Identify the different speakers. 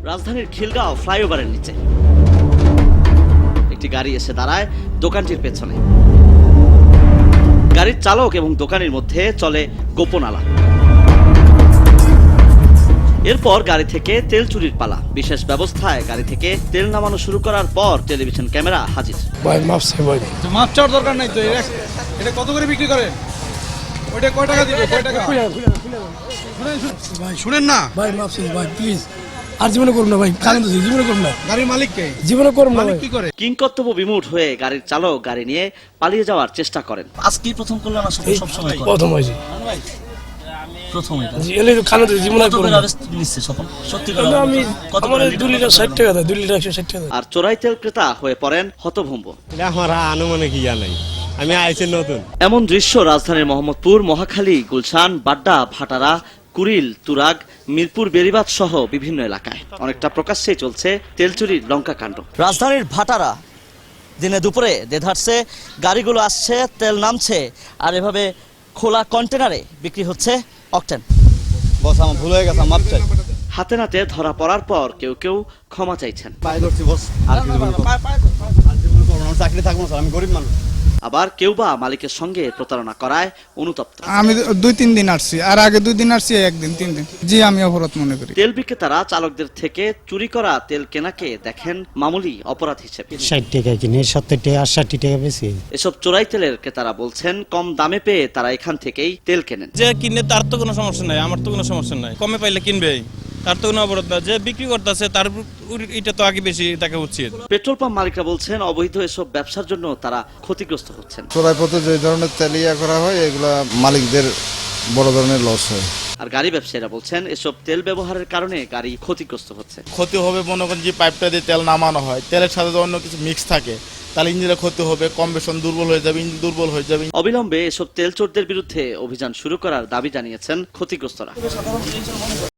Speaker 1: রাজধানীর খিলগাঁও ফ্লাইওভারের নিচে একটি গাড়ি এসে দাঁড়ায় দোকানটির পেছনে। গাড়ির চালক এবং দোকানির মধ্যে চলে গোপন আলাপ। এরপর গাড়ি থেকে তেল চুরির পালা। বিশেষ ব্যবস্থায় গাড়ি থেকে তেল নামানো শুরু করার পর টেলিভিশন ক্যামেরা হাজির।
Speaker 2: ভাই মাপ চাই ভাই।
Speaker 3: মাপ চাওয়ার দরকার নাই তো। এটা কত করে বিক্রি করেন? ওইটা কয় টাকা দিবে? কয় টাকা? ভাই শুনেন না
Speaker 2: ভাই মাপ চাই ভাই প্লিজ। আর জীবনে করব না ভাই, কারণ তো জীবনে করব না।
Speaker 3: গাড়ির মালিক কে?
Speaker 2: জীবনে করব না
Speaker 3: মালিক
Speaker 2: ভাই।
Speaker 3: কি করে?
Speaker 1: কিংকর্তব্য বিমূঢ় হয়ে গাড়ির চালক গাড়ি নিয়ে পালিয়ে যাওয়ার চেষ্টা করেন। আজকেই প্রথম করলেন না সবসময় করেন?
Speaker 2: প্রথম হয়েছে।
Speaker 1: প্রথমই
Speaker 2: জি এলে খানা তো জীবনে করব না।
Speaker 1: নিচ্ছে স্বপন সত্যি
Speaker 2: আমি আমার 2 লিটার 60 টাকা দেয়, 2 লিটার 160 টাকা।
Speaker 1: আর চোরাই তেল ক্রেতা হয়ে পড়েন হতভম্ব।
Speaker 4: আমার আনুমানিক ইয়া নাই, আমি আইছি নতুন।
Speaker 1: এমন দৃশ্য রাজধানীর মোহাম্মদপুর, মহাখালী, গুলশান, বাড্ডা, ভাটারা, কুড়িল, তুরাগ, মিরপুর, বেড়িবাঁধ সহ বিভিন্ন এলাকায় অনেকটা প্রকাশ্যেই চলছে তেল চুরির লঙ্কা কাণ্ড। রাজধানীর ভাটারা দিনে দুপুরে দেধারছে, গাড়িগুলো আসছে, তেল নামছে, আর এভাবে খোলা কন্টেনারে বিক্রি হচ্ছে অকটেন।
Speaker 4: বস আমার ভুল হয়ে গেছে, মাপ চাই।
Speaker 1: হাতে নাতে ধরা পড়ার পর কেউ কেউ ক্ষমা চাইছেন।
Speaker 4: পায়ে ধরছি বস, আর কিছু করব না। চাকরি থাকবো স্যার, আমি গরিব মানুষ।
Speaker 1: আবার কেউ বা মালিকের সঙ্গে প্রতারণা করায় অনুতপ্ত।
Speaker 3: আমি 2-3 দিন আসছি, আর আগে 2 দিন আসছি, 1 দিন 3 দিন। জি আমি অপরাধ মনে করি।
Speaker 1: তেল বিক্রেতারা চালকদের থেকে চুরি করা তেল কেনাকে দেখেন মামুলি অপরাধ হিসেবে।
Speaker 5: 60 টাকা কিনে 70 টাকা 60 টাকা বেশি।
Speaker 1: এসব চোরাই তেলের ক্রেতারা বলছেন কম দামে পেয়ে তারা এখান থেকেই তেল কেনেন।
Speaker 6: যে কিনে তার তো কোনো সমস্যা নাই, আমার তো কোনো সমস্যা নাই। কমে পাইলে কিনবেই, তার তো কোনো অপরাধ না। যে বিক্রি করতেছে তার এটা তো আগে বেশি দেখা উচিত।
Speaker 1: পেট্রোল পাম্প মালিকরা বলছেন অবৈধ এসব ব্যবসার জন্য তারা ক্ষতিগ্রস্ত হচ্ছেন।
Speaker 7: চোরাই পথে যে ধরনের তেল ইয়া করা হয় এগুলা মালিকদের বড় ধরনের লস হয়।
Speaker 1: আর গাড়ি ব্যবসায়ীরা বলছেন এসব তেল ব্যবহারের কারণে গাড়ি ক্ষতিগ্রস্ত হচ্ছে।
Speaker 8: ক্ষতি হবে মনে করেন যে পাইপটা দিয়ে তেল নামানো হয়, তেলের সাথে যদি অন্য কিছু মিক্স থাকে তাহলে ইঞ্জিনের ক্ষতি হবে, কম্বেশন দুর্বল হয়ে যাবে, ইঞ্জিন দুর্বল হয়ে যাবে।
Speaker 1: অবিলম্বে এসব তেল চোরদের বিরুদ্ধে অভিযান শুরু করার দাবি জানিয়েছেন ক্ষতিগ্রস্তরা।